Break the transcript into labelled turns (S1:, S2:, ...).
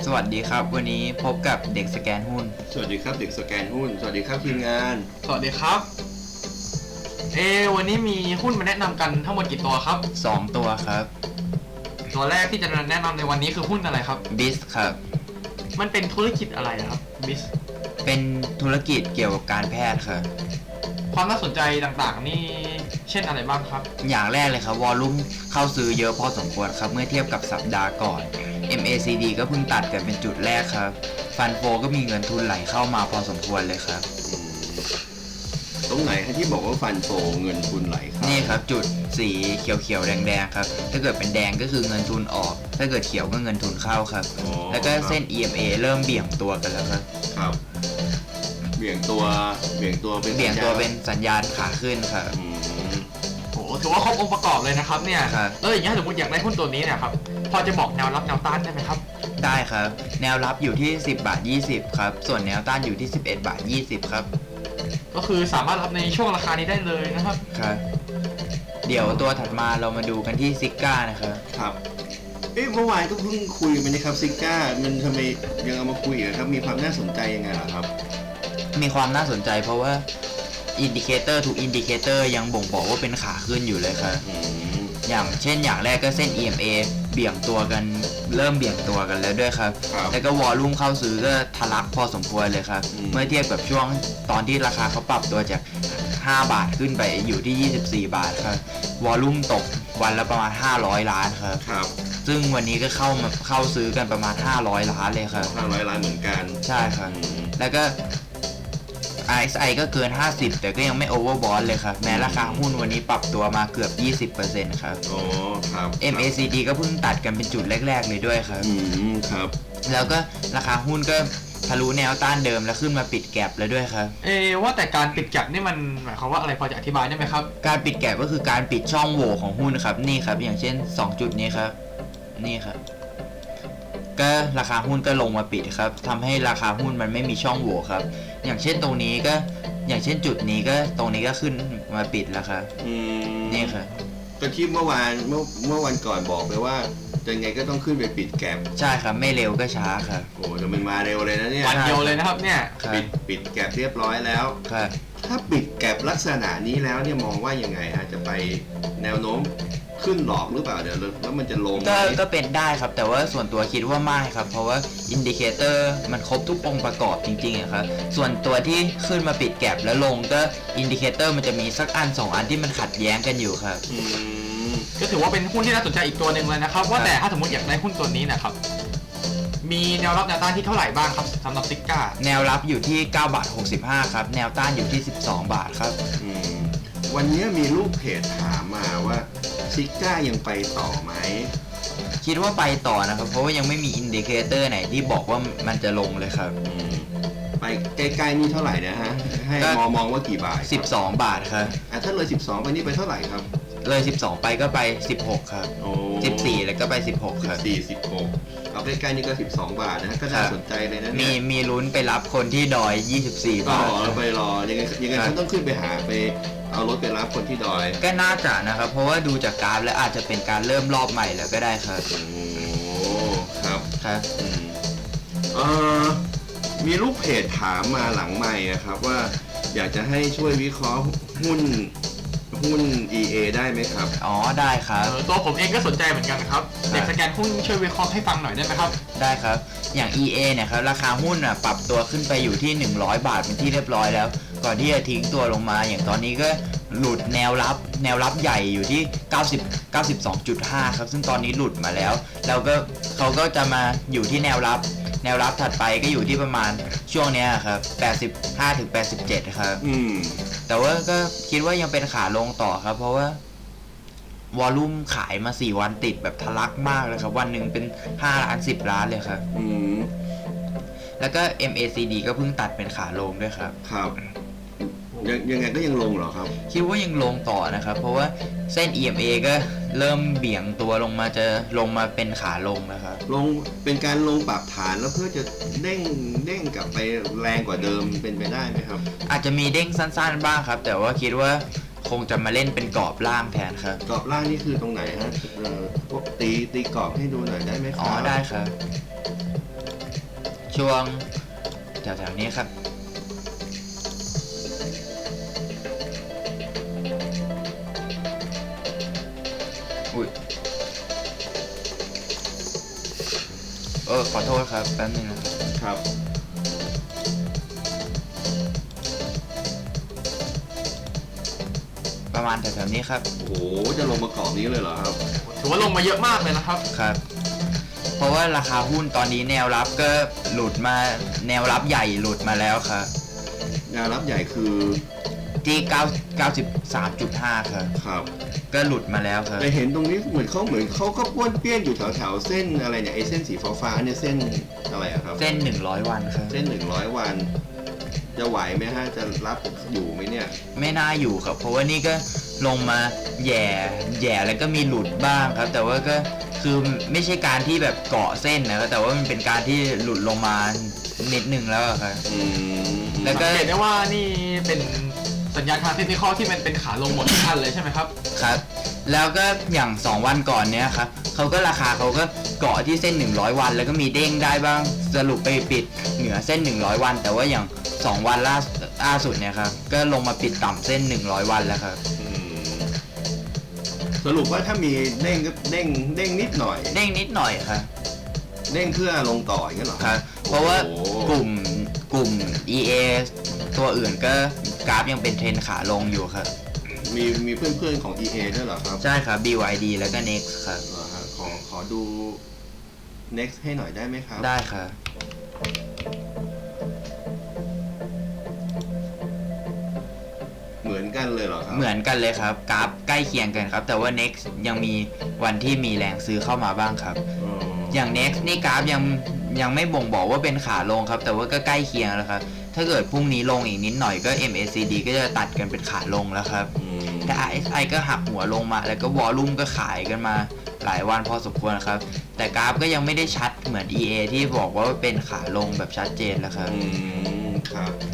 S1: สวัสดีครับวันนี้พบกับเด็กสแกนหุ้น
S2: สวัสดีครับเด็กสแกนหุ้นสวัสดีครับทีมงาน
S3: สวัสดีครับวันนี้มีหุ้นมาแนะนำกันทั้งหมดกี่ตัวครับ
S1: 2ตัวครับ
S3: ตัวแรกที่จะแนะนำในวันนี้คือหุ้นอะไรครับ
S1: บิสครับ
S3: มันเป็นธุรกิจอะไรครับบิส
S1: เป็นธุรกิจเกี่ยวกับการแพทย์ครับ
S3: ความน่าสนใจต่างๆนี่เช่นอะไรบ้างครับ
S1: อย่างแรกเลยครับวอลลุ่มเข้าซื้อเยอะพอสมควรครับเมื่อเทียบกับสัปดาห์ก่อน MACD ก็เพิ่งตัดกันเป็นจุดแรกครับฟันโฟก็มีเงินทุนไหลเข้ามาพอสมควรเลยครับ
S2: ตรงไหนที่บอกว่าฟันโฟเงินทุนไหลเข้า
S1: นี่ครับจุดสีเขียวๆแดงๆครับถ้าเกิดเป็นแดงก็คือเงินทุนออกถ้าเกิดเขียวก็เงินทุนเข้าครับแล้วก็เส้น EMA เริ่มเบี่ยงตัวกันแล้วครับ
S2: เบี่ยงตัว
S1: เป็นสัญญาณขาขึ้นครับ
S3: โอ้ถือว่าครบองค์ประกอบเลยนะครับเนี่ยอย่างนี้สมมติอยากได้หุ้นตัวนี้เนี่ยครับพอจะบอกแนวรับแนวต้านได้ไหมครับ
S1: ได้ครับแนวรับอยู่ที่10 บาท 20ครับส่วนแนวต้านอยู่ที่11 บาท 20ครับ
S3: ก็คือสามารถรับในช่วงราคานี้ได้เลยนะครับ
S1: ครับเดี๋ยวตัวถัดมาเรามาดูกันที่ซิก้านะครับ
S2: ครับเมื่อวานก็เพิ่งคุยไปนะครับซิก้ามันทำไมยังเอามาคุยอีกครับมีความน่าสนใจยังไงล่ะครับ
S1: มีความน่าสนใจเพราะว่าอินดิเคเตอร์ทุกอินดิเคเตอร์ยังบ่งบอกว่าเป็นขาขึ้นอยู่เลยครับอย่างเช่นอย่างแรกก็เส้น EMA เบี่ยงตัวกันเริ่มเบี่ยงตัวกันแล้วด้วยครับแล้วก็วอลลุ่มเข้าซื้อก็ทะลักพอสมควรเลยครับเมื่อเทียบกับช่วงตอนที่ราคาเขาปรับตัวจาก5 บาทขึ้นไปอยู่ที่24 บาทครับวอลลุ่มตกวันละประมาณ500 ล้านครับซึ่งวันนี้ก็เข้าซื้อกันประมาณ500 ล้านเลยครับ
S2: 500 ล้านเหมือนกัน
S1: ใช่ครับแล้วก็ RSI ก็เกิน50แต่ก็ยังไม่โอเวอร์บอทเลยครับแม้ราคาหุ้นวันนี้ปรับตัวมาเกือบ 20% ครับ
S2: ครับ
S1: MACD ก็เพิ่งตัดกันเป็นจุดแรกๆเลยด้วยครับ
S2: ครับ
S1: แล้วก็ราคาหุ้นก็ทะลุแนวต้านเดิมแล้วขึ้นมาปิดแก็ปแล้วด้วยครับ
S3: ว่าแต่การปิดแก็ปนี่มันหมายความว่าอะไรพอจะอธิบายได้ไหมครับ
S1: การปิดแก็ปก็คือการปิดช่องโหว่ของหุ้นครับนี่ครับอย่างเช่น2จุดนี้ครับนี่ครับก็ราคาหุ้นก็ลงมาปิดครับทำให้ราคาหุ้นมันไม่มีช่องโหว่ครับอย่างเช่นตรงนี้ก็อย่างเช่นจุดนี้ก็ตรงนี้ก็ขึ้นมาปิดแล้วครับนี่ครับ
S2: ก็ที่เมื่อวันก่อนบอกไปว่ายังไงก็ต้องขึ้นไปปิดแก็ป
S1: ใช่ครับไม่เร็วก็ช้าครับ
S2: โอ้แต่มันมาเร็วเลยนะเนี่ย
S3: วันเดียวเลยนะครับเนี่ย
S2: ปิดแก็ปเรียบร้อยแล้วถ้าปิดแก็ปลักษณะนี้แล้วเนี่ยมองว่ายังไงฮะจะไปแนวโน้มขึ้นหลอกหรือเปล่าเดี๋ยวแล้วมันจะลง
S1: ก็เป็นได้ครับแต่ว่าส่วนตัวคิดว่าไม่ครับเพราะว่าอินดิเคเตอร์มันครบทุกองค์ประกอบจริงๆครับส่วนตัวที่ขึ้นมาปิดแก็ปแล้วลงก็อินดิเคเตอร์มันจะมีสักอัน2 อันที่มันขัดแย้งกันอยู่ครับ
S3: ก็ถือว่าเป็นหุ้นที่น่าสนใจอีกตัวหนึ่งเลยนะครับว่าแต่ถ้าสมมติอยากได้หุ้นตัวนี้นะครับมีแนวรับแนวต้านที่เท่าไหร่บ้างครับสำหรับซิก้า
S1: แนวรับอยู่ที่9 บาท 65ครับแนวต้านอยู่ที่12 บาทครับ
S2: วันนี้มีลูกเพจถามมาว่าซิก้ายังไปต่อไหม
S1: คิดว่าไปต่อนะครับเพราะว่ายังไม่มีอินดิเคเตอร์ไหนที่บอกว่ามันจะลงเลยครับ
S2: ไปใกล้ๆนี่เท่าไหร่นะฮะให้มองว่ากี่บาท
S1: 12 บาทครับ
S2: ถ้าเลย12ไปนี่ไปเท่าไหร่ครับ
S1: เลย12ไปก็ไป16ครับ14แล้วก็ไป16ครับ
S2: 16เอาใกล้ๆนี่ก็12 บาทนะก็น่าสนใจเลยนะ
S1: มีลุ้นไปรับคนที่ดอย24 บาท
S2: แล้วไปรอยังไงฉันต้องขึ้นไปหาไปเอารถไปรับคนที่ดอย
S1: ก็น่าจะนะครับเพราะว่าดูจากกราฟแล้วอาจจะเป็นการเริ่มรอบใหม่แล้วก็ได้ครับ
S2: ครับมีลูกเพจถามมาหลังใหม่ครับว่าอยากจะให้ช่วยวิเคราะห์หุ้นEA ได้ไหมครับ
S1: ได้ครับ
S3: ตัวผมเองก็สนใจเหมือนกันครับเด็กสแกนหุ้นช่วยวิเคราะห์ให้ฟังหน่อยได้ไหมครับ
S1: ได้ครับอย่าง EA เนี่ยครับราคาหุ้นปรับตัวขึ้นไปอยู่ที่100 บาทเป็นที่เรียบร้อยแล้วก่อนที่จะทิ้งตัวลงมาอย่างตอนนี้ก็หลุดแนวรับใหญ่อยู่ที่92.5ครับซึ่งตอนนี้หลุดมาแล้วก็เขาก็จะมาอยู่ที่แนวรับถัดไปก็อยู่ที่ประมาณช่วงนี้ครับ85 ถึง 87ครับแต่ว่าก็คิดว่ายังเป็นขาลงต่อครับเพราะว่าวอลลุ่มขายมา4 วันติดแบบทะลักมากเลยครับวันหนึ่งเป็น5 ล้าน10 ล้านเลยครับแล้วก็ MACD ก็เพิ่งตัดเป็นขาลงด้วยครับ
S2: ยังไงก็ยังลงเหรอครับ
S1: คิดว่ายังลงต่อนะครับเพราะว่าเส้น EMA ก็เริ่มเบี่ยงตัวลงมาจะลงมาเป็นขาลงนะครับ
S2: ลงเป็นการลงปรับฐานแล้วเพื่อจะเด้งกลับไปแรงกว่าเดิมเป็นไปได้ไหมครับ
S1: อาจจะมีเด้งสั้นๆบ้างครับแต่ว่าคิดว่าคงจะมาเล่นเป็นกรอบล่างแทนครับ
S2: กรอบล่างนี่คือตรงไหนฮะพวกตีกรอบให้ดูหน่อยได้ไหมครับ
S1: ได้ครับช่วงแถวๆนี้ครับอุ้ยขอโทษครับแป๊บนึงนะครับ
S2: ครับ
S1: ประมาณแถวๆนี้ครับ
S2: โอ้โหจะลงมากรอบนี้เลยเหรอครับ
S3: ถือว่าลงมาเยอะมากเลยนะครับ
S1: ครับ เพราะว่าราคาหุ้นตอนนี้แนวรับก็หลุดมาแนวรับใหญ่หลุดมาแล้วครับ
S2: แนวรับใหญ่คือ
S1: ที่93.5ครับ
S2: ครับ
S1: ก็หลุดมาแล้วครับ
S2: แต่เห็นตรงนี้เหมือนเขาก็ป้วนเปี้ยนอยู่แถวๆเส้นอะไรเนี่ยไอ้เส้นสีฟ้าๆเนี่ยเส้นอะไรอะครับ
S1: เส้น100วันครับ
S2: เส้น100 วัน จะไหวไหมฮะจะรับอยู่ไหมเนี่ย
S1: ไม่น่าอยู่ครับ เพราะว่านี่ก็ลงมาแย่แล้วก็มีหลุดบ้างครับ แต่ว่าก็คือไม่ใช่การที่แบบเกาะเส้นนะครับแต่ว่ามันเป็นการที่หลุดลงมานิดนึงแล้วอะครับ
S2: อืม
S1: แล้วก็
S3: เห็นได้ว่านี่เป็นสัญญาณทางเทคนิคที่มันเป็นขาลงหมดทุกท่านเลยใช่ไหมครับ
S1: ครับ แล้วก็อย่าง2วันก่อนเนี้ยครับเขาก็ราคาเขาก็เกาะที่เส้น100วันแล้วก็มีเด้งได้บ้างสรุปไปปิดเหนือเส้น100วันแต่ว่าอย่าง2วันล่าสุดเนี่ยครับก็ลงมาปิดต่ำเส้น100วันแล้วครับ
S2: อืมสรุปว่าถ้ามีเด้งก็เด้งนิดหน่อย
S1: เด้งนิดหน่อยครับ
S2: เด้งเพื่อลงต่ออย่างนี้นเหรอ
S1: ครับ เพราะว่า
S2: โอ้โห
S1: กลุ่ม EA ตัวอื่นก็กราฟยังเป็นเทรนขาลงอยู่ครับ
S2: มีเพื่อนๆของ EA ด้วยเหรอครับ
S1: ใช่ครับ BYD แล้วก็ Next ครับ
S2: เหรอฮะขอดู next ให้หน่อยได้ไหมครับ
S1: ได้ครับ
S2: เหมือนกันเลยเหรอครับ
S1: เหมือนกันเลยครับกราฟใกล้เคียงกันครับ แต่ว่า Next ยังมีวันที่มีแรงซื้อเข้ามาบ้างครับ
S2: อ๋อ
S1: อย่าง Next นี่กราฟยังไม่บ่งบอกว่าเป็นขาลงครับ แต่ว่าก็ใกล้เคียงแล้วครับ ถ้าเกิดพรุ่งนี้ลงอีกนิดหน่อยก็ MACD ก็จะตัดกันเป็นขาลงแล้วครับ
S2: อืม
S1: แต่ RSI ก็หักหัวลงมา แล้วก็วอลลุ่มก็ขายกันมาหลายวันพอสมควรครับ แต่กราฟก็ยังไม่ได้ชัดเหมือน EA ที่บอกว่าเป็นขาลงแบบชัดเจนแล้วครับ
S2: อืมครับ